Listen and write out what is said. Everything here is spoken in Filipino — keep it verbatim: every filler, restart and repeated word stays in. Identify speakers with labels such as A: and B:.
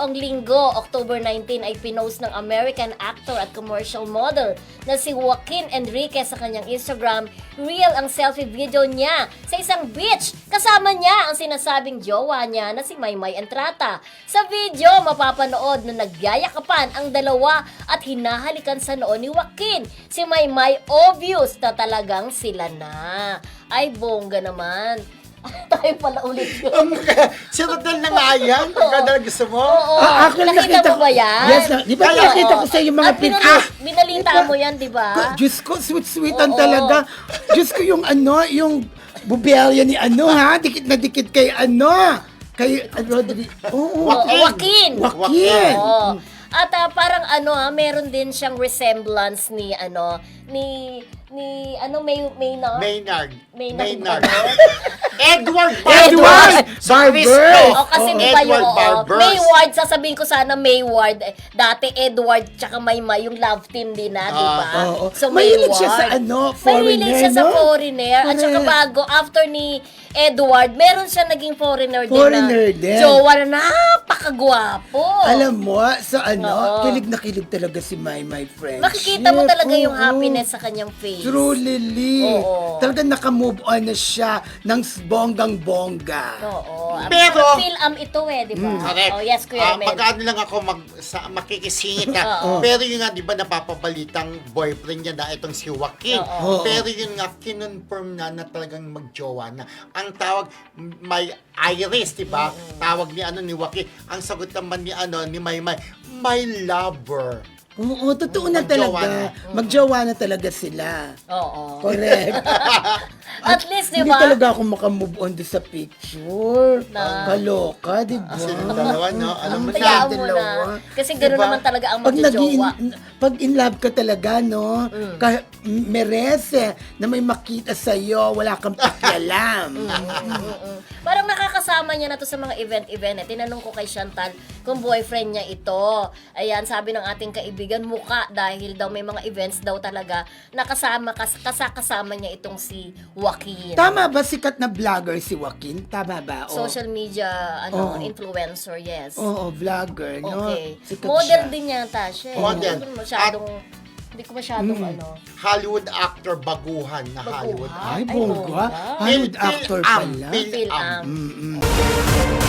A: nakaraang linggo, October nineteen, ay pinost ng American actor at commercial model na si Joaquin Enriquez sa kanyang Instagram reel ang selfie video niya sa isang beach. Kasama niya ang sinasabing jowa niya na si Maymay Entrata. Sa video, mapapanood na nagyayakapan ang dalawa at hinahalikan sa noo ni Joaquin. Si Maymay obvious na talagang sila na. Ay, bongga naman. Tayo pala ulit yun.
B: Si Rodel na nga yan. Pagka gusto mo.
A: Oo.
C: Ah, ako
A: nakita mo ba yan?
C: Yes, na, di ba
A: Kaya,
C: nakita
A: oo.
C: ko sa yung mga
A: At
C: picture?
A: binali- binalita mo yan, di ba?
C: Diyos ko, sweet-sweetan
A: Oo.
C: talaga. Diyos ko yung ano, yung bubelya ni ano ha, dikit na dikit kay ano, kay Rodri. Oo.
A: Oo, Joaquin.
C: Joaquin.
A: Oo. At ah, parang ano ha, meron din siyang resemblance ni ano, ni ni ano may Maynard.
B: Maynard.
A: Maynard.
B: Maynard.
A: Ano?
B: Edward
C: Edward
B: Barber.
A: O kasi di ba yung
B: Edward
A: oo,
B: Barbers.
A: Mayward, sasabihin ko sana Mayward. Eh, dati Edward tsaka Maymay yung love team din na, di ba?
C: Ah, oo.
A: So
C: Mahilig
A: Mayward.
C: siya sa ano, foreigner,
A: Mahilig siya sa
C: no?
A: foreigner. At saka
C: Correct.
A: bago, after ni Edward, meron siya naging foreigner,
C: Foreigner
A: din
C: din.
A: na jowa na napakagwapo.
C: Alam mo, sa ano,
A: Oo.
C: kilig na kilig talaga si My My Friend.
A: Makikita mo talaga yung
C: Oo.
A: happiness sa kanyang face.
C: Truly,
A: Oo.
C: talagang naka-move on na siya ng bonggang-bongga.
A: Oo.
B: Pero-
A: Film ito eh, di ba?
B: Correct.
A: Oh, yes, Kuya
B: Ah,
A: Mel.
B: mag-ano lang ako mag, sa, makikisingit ka.
A: Oo.
B: Pero yun nga, di ba, napapabalitang boyfriend niya na itong si Joaquin.
A: Oo.
B: Pero yun nga, kinonfirm na na talagang magjowa na. Ang tawag, may Iris, di ba? Tawag ni ano ni Joaquin. Ang sagot naman ni ano ni Maymay, my lover.
C: Oo, totoo na
B: Magjowa
C: talaga.
B: na.
C: Magjowa na talaga sila.
A: Oo.
C: Correct.
A: At least, di
C: Hindi
A: ba?
C: talaga ako makamove on doon sa picture.
A: Na-
C: Kaloka, di ba?
B: Silang dalawa, no? Alam mo na.
A: Hayaan mo
C: dalawa.
A: na. Kasi gano'n
B: Diba?
A: naman talaga ang
C: Pag naging,
A: magjojowa.
C: pag in love ka talaga, no?
A: Mm.
C: Ka, merese na may makita sa'yo, wala kang pakialam.
A: Mm-mm. Parang nakakasama niya na to sa mga event-event. Eh. Tinanong ko kay Chantal kung boyfriend niya ito. Ayan, sabi ng ating kaibigan, muka dahil daw may mga events daw talaga nakasama, kas, kasakasama niya itong si Joaquin.
C: Tama ba sikat na vlogger si Joaquin? Tama ba? O-
A: Social media, ano,
C: Oo.
A: influencer, yes.
C: Oo, vlogger, no?
A: Okay.
C: Sikat
A: Model
C: siya.
A: din yata siya. eh.
B: Model.
A: Hindi ko masyadong, hindi ko masyadong
C: Mm.
A: ano.
B: Hollywood actor, baguhan na
A: Baguhan?
B: Hollywood
C: Ay,
A: Ay,
C: bongga.
A: bongga.
C: Hollywood
B: Phil-
C: actor
B: Phil-am,
C: pala.
B: Phil-am.
A: Phil-am.
C: Mm-mm.